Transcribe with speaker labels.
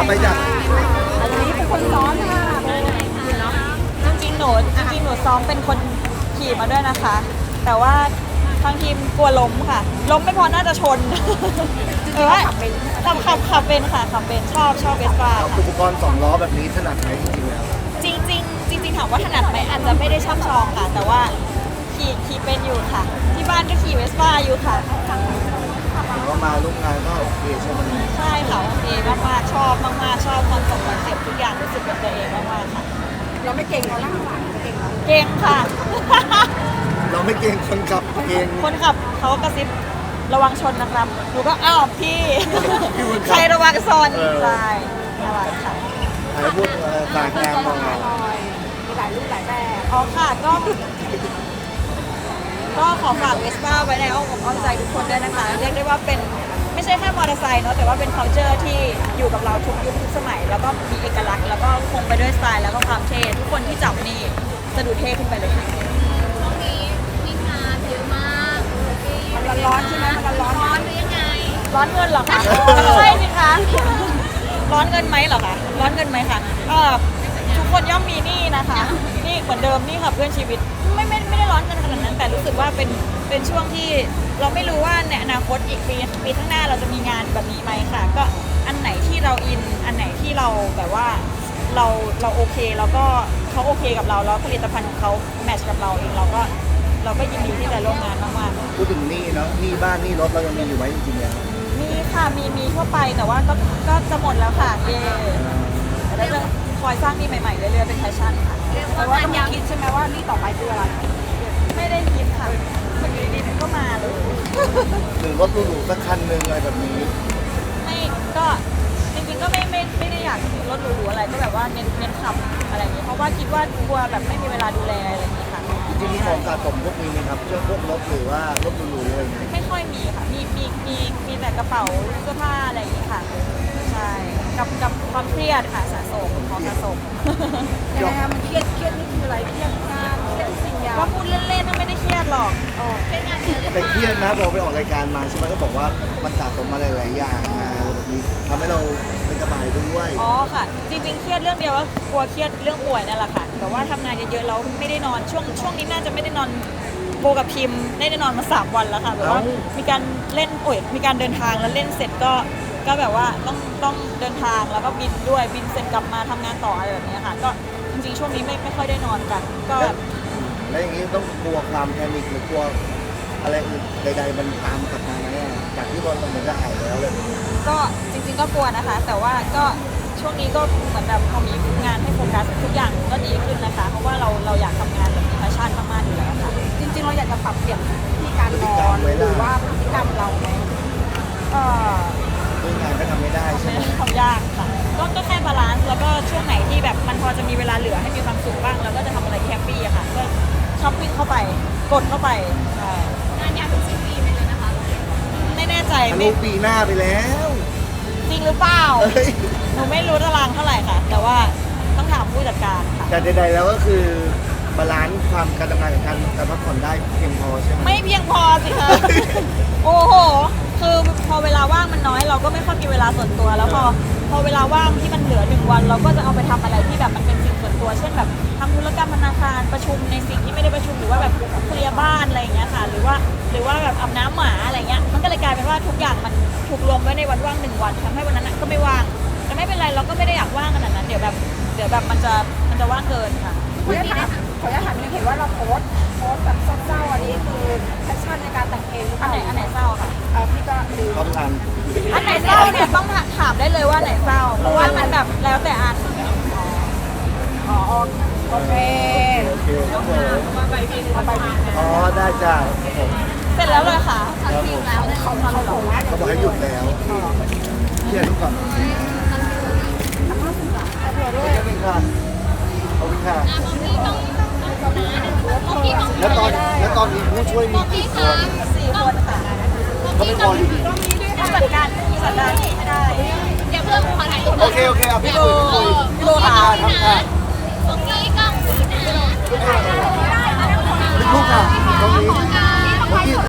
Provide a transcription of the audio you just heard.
Speaker 1: ไปจาก
Speaker 2: อันนี้เป็นคนซ้อนค่ะ
Speaker 3: จริงๆหนูซ้อมเป็นคนขี่มาด้วยนะคะ แต่ว่าทางทีมกลัวล้มค่ะ ล้มไม่พอน่าจะชนขับเป็นขับเป็นค่ะขับเป็นชอบเวสป้าค่ะ
Speaker 1: อุปกรณ์2 ล้อแบบนี้ถนัดไหมจริงๆแล้ว
Speaker 3: จริงถามว่าถนัดไหมอาจจะไม่ได้ช่ำชองค่ะ แต่ว่าขี่เป็นอยู่ค่ะ ที่บ้านก็ขี่เวสป้าอยู่ค่ะ
Speaker 1: ก็มาร่วมงานก็โอเคใช่ไหม
Speaker 3: ใช่ค่ะโอเคมากๆชอบมากๆชอบคอนเซ็ปต์ทุกอย่างรู้สึกเป็นตัวเองมากๆค่ะ
Speaker 2: เราไม่เก่งเราล่างหลังเก่งเรา
Speaker 3: เก่งค่ะ
Speaker 1: เราไม่เก่งคนขับเก่ง
Speaker 3: คนขับเขากระซิบระวังชนนะครับหนูก็อ้าวพี่
Speaker 1: พี่บุญ
Speaker 3: ใครระวังชน
Speaker 1: เออ
Speaker 3: ใช่ระวังค่ะ
Speaker 1: ใครพูดฝากงานมอง
Speaker 2: หน่อยมีหลายรูปหลายแบบ
Speaker 3: อ๋อค่ะก็ขอฝากเวสป้าไว้ในอ้อมอกอ้อมใจทุกคนด้วยนะคะเรียกได้ว่าเป็นไม่ใช่แค่มอเตอร์ไซค์เนาะแต่ว่าเป็น culture ที่อยู่กับเราทุกยุคทุกสมัย แล้วก็มีเอกลักษณ์แล้วก็คงไปด้วยสไตล์แล้วก็ความเท่ทุกคนที่จับนี่จะดูเท่ขึ้นไปเลยค่ะ
Speaker 4: ตรงนี้มีงานเยอะมาก
Speaker 2: มันร้อนใช่ไหมมันร้อน
Speaker 4: ร้อนหรือยังไง
Speaker 3: ร้อนเงินเหรอคะใช่สิคะร้อนเงินไหมเหรอคะร้อนเงินไหมคะทุกคนย่อมมีหนี้นะคะนี่เหมือนเดิมนี่ค่ะเพื่อนชีวิตไม่ได้ร้อนเงินขนาดนั้นแต่รู้สึกว่าเป็นช่วงที่เราไม่รู้ว่าในอนาคตอีกปีข้างหน้าเราจะมีงานแบบนี้ไหมค่ะ ก็อันไหนที่เราอินอันไหนที่เราแบบว่าเราโอเคแล้วก็เขาโอเคกับเราแล้วผลิตภัณฑ์ของเขาแมทช์กับเราเองเราก็ยินดีที่จะร่วมงานมากๆ
Speaker 1: พูดถึงหนี้เนาะหนี้บ้านหนี้รถเรายังมีอยู่ไหมจริงๆแล้ว
Speaker 3: มีค่ะมีทั่วไปแต่ว่าก็จะหมดแล้วค่ะเย่แต่เราจะคอยสร้างนี่ใหม่ๆเรื่อยๆเป็นแฟชั่นค่ะ
Speaker 2: แต่ว่าต้องคิดใช่ไหมว่านี่ต่อไปคืออะไร
Speaker 3: ไม่ได้คิดค่ะมันอยู่ดีๆมันก็มาเลย
Speaker 1: หรือรถหรูๆสักคันหนึ่งอะไรแบบนี้
Speaker 3: ไม่ก็จริงๆก็ไม่ได้อยากซื้อรถหรูๆอะไรก็แบบว่าเน้นขับอะไรอย่างนี้เพราะว่าคิดว่ากลัวแบบไม่มีเวลาดูแลอะไรอย่างนี้ค่ะ
Speaker 1: จริงๆมีของสะสมพวกนี้ไหมครับเช่นพวกรถหรือว่ารถหรูๆอะไรอย่างเงี้ย
Speaker 3: ไม่ค่อยมีค่ะมีแต่กระเป๋าเสื้อผ้าอะไรอย่างนี้ค่ะใช่กับความเครียดค่ะสะสมของสะสม
Speaker 2: ยังไงคะมันเครียดนี่คืออะไรเครียดงานเครียดสิ่งอย่าง
Speaker 3: ก็พูดเล่นๆไม่ได้เครียดหรอก
Speaker 4: เป็นงานเยอะหรือเป
Speaker 1: แต่
Speaker 4: ล่า
Speaker 1: เครียดนะพอไปออกรายการมาใช่ไหมก็บอกว่ามันสะสมมาหลายๆอย่างมาแบบนี้ทำให้เราไม่สบายด้วย
Speaker 3: อ๋อค่ะ จริงๆเครียดเรื่องเดียวก็กลัวเครียดเรื่องป่วยนั่นแหละค่ะแต่ว่าทำงานเยอะๆแล้วไม่ได้นอนช่วงนี้น่าจะไม่ได้นอนโบกับพิมพ์ได้นอนมา3 วันแล้วค่ะแบบว่ามีการเล่นมีการเดินทางแล้วเล่นเสร็จก็แบบว่าต้องเดินทางแล้วก็บินด้วยบินเสร็จกลับมาทำงานต่ออะไรแบบนี้ค่ะก็จริงๆช่วงนี้ไม่ค่อยได้นอนกันก็แบบ
Speaker 1: แล้วอย่างนี้ต้องกลัวความแพนิคหรือกลัวอะไรอื่นใดๆมันตามกลับมาไหมอะจากที่เราเหมือนจะหายแล้วเลย
Speaker 3: ก็จริงๆก็กลัวนะคะ แต่ว่าก็ช่วงนี้ก็เหมือนแบบพอมีงานให้โฟกัสทุกอย่างก็ดีขึ้นนะคะ เพราะว่าเราอยากทำงานแบบมีแพชชั่นมากๆอยู่แล้วค่ะ
Speaker 2: จริงๆเราอยากจะปรับเปลี่ยนที่การนอนหรือว่าพฤติกรรมเราไหม
Speaker 3: เอ่อ
Speaker 1: เรื่องงานก็ทำไม่ได้ใช่
Speaker 3: ไม่
Speaker 1: ไหม
Speaker 3: ได้ทำยากค่ะก็แค่บาลานซ์แล้วก็ช่วงไหนที่แบบมันพอจะมีเวลาเหลือให้มีความสุขบ้างเราก็จะทำอะไรแฮปปี้อะค่ะก็ช้อปปิ้งเข้าไปกดเข้าไปใช่
Speaker 4: งานยาวถึงสิ้นปีไปเลยนะคะ
Speaker 3: ไม่แน่ใจ
Speaker 1: ทะลุ
Speaker 3: ไม่
Speaker 1: ปีหน้าไปแล้ว
Speaker 3: จริงหรือเปล่า
Speaker 1: เอ้ย
Speaker 3: หนูไม่รู้ตารางเท่าไหร่ค่ะ แต่ว่าต้องถามผู้จัดการค่ะ
Speaker 1: แต่ใดๆแล้วก็คือบาลานซ์ความการทำงานกับการพักผ่อนได้เพียงพอใช่ไหม
Speaker 3: ไม่เพียงพอสิคะ โอ้โห คือพอเวลาว่างมันน้อยเราก็ไม่ค่อยมีเวลาส่วนตัว แล้วพอเวลาว่างที่มันเหลือ1 วันเราก็จะเอาไปทำอะไรที่แบบมันเป็นสิ่งส่วนตัว เช่นแบบทำธุรกรรมธนาคารประชุมในสิ่งที่ไม่ได้ประชุมหรือว่าแบบเคลียร์บ้านอะไรอย่างเงี้ยค่ะ หรือว่าแบบอาบน้ำหมาอะไรเงี้ย มันก็เลยกลายเป็นว่าทุกอย่างมันถูกรวมไว้ในวันว่าง1 วันทำให้วันนั้นนะก็ไม่ว่าง แต่ไม่เป็นไรเราก็ไม่ได้อยากว่างขนาดนั้น เดี๋ยวแบบมันจะว่างเกินค่ะ
Speaker 2: ขออนุญาตถามเห็นว่าเราโพสต์แบบเศร้าๆอันนี้คือแพชชั่นในการแต่งเพลงหรือเป
Speaker 3: อัน
Speaker 2: ล่า
Speaker 3: ไหนเศร้าค่ะ
Speaker 2: พี่ก็ลืม
Speaker 1: เขาทาน
Speaker 3: อันไหนเศร้าเนี่ยต้องถามได้เลยว่าไหนเศร้า เพราะว่ามันแบบแล้วแต่อัน
Speaker 2: อ๋อโอเค
Speaker 1: โอเคครับผม
Speaker 2: เอาไป
Speaker 1: อ๋อได้จ้าครับผม
Speaker 3: เสร็จแล้วเลยค่ะ
Speaker 1: ครับผม
Speaker 4: แล้วเนี่ย
Speaker 2: เขาทำเราบอกว่า
Speaker 1: เขาบอกให้หยุดแล้วเครียดทุกคน
Speaker 2: เผื่อด้วย
Speaker 1: ขอบคุณค่ะขอบคุณค่ะ
Speaker 4: บางทีต้องบางทีต้อง
Speaker 1: แล้วตอนนี้ผู้ช่วยมีกี่คน
Speaker 3: 4 คนค่ะ
Speaker 1: เขาไม่พออยู่ดี
Speaker 3: ผู้จัดการไม่ได้
Speaker 4: เดี๋ยวเพื่อนขอถ่ายรูป
Speaker 1: โอเคโอเคเอาพี่คุยพี่คุย
Speaker 3: พี่โบค่ะ
Speaker 1: ทำค่ะ
Speaker 4: ตรงนี้กล้องคุยนะ
Speaker 1: ลูกค่ะตรงนี้
Speaker 4: ขอ